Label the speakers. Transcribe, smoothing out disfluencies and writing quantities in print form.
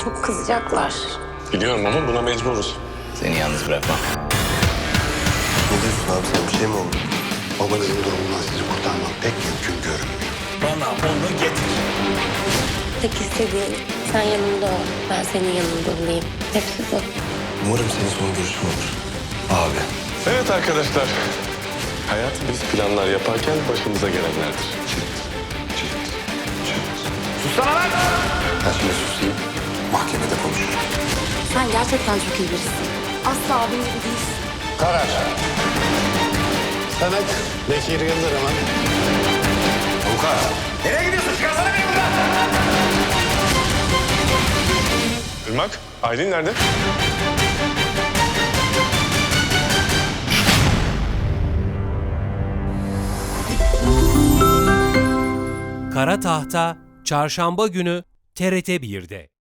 Speaker 1: Çok kızacaklar.
Speaker 2: Biliyorum ama buna mecburuz.
Speaker 3: Seni yalnız bırakmam.
Speaker 4: Ne diyorsun abi, sen bir şey mi oldu? Babanızın durumundan sizi kurtarmam pek mümkün görünmüyor.
Speaker 3: Bana onu getir.
Speaker 1: Tek istediğim sen yanımda ol. Ben senin yanında olayım. Hepsi bu.
Speaker 4: Umarım senin son görüşün olur. Abi.
Speaker 2: Evet arkadaşlar. Hayat biz planlar yaparken başımıza gelenlerdir.
Speaker 3: Sussana lan!
Speaker 4: Ben şimdi susayım. Mahkemede konuşuruz.
Speaker 1: Sen gerçekten çok iyi birisin. Asla abim gibi değilsin.
Speaker 4: Karar. Samet Bekir Yıldırım'ın. Avukat.
Speaker 3: Nereye gidiyorsun? Çıkarsana beni buradan!
Speaker 2: Irmak, Aylin nerede?
Speaker 5: Kara Tahta Çarşamba günü TRT 1'de.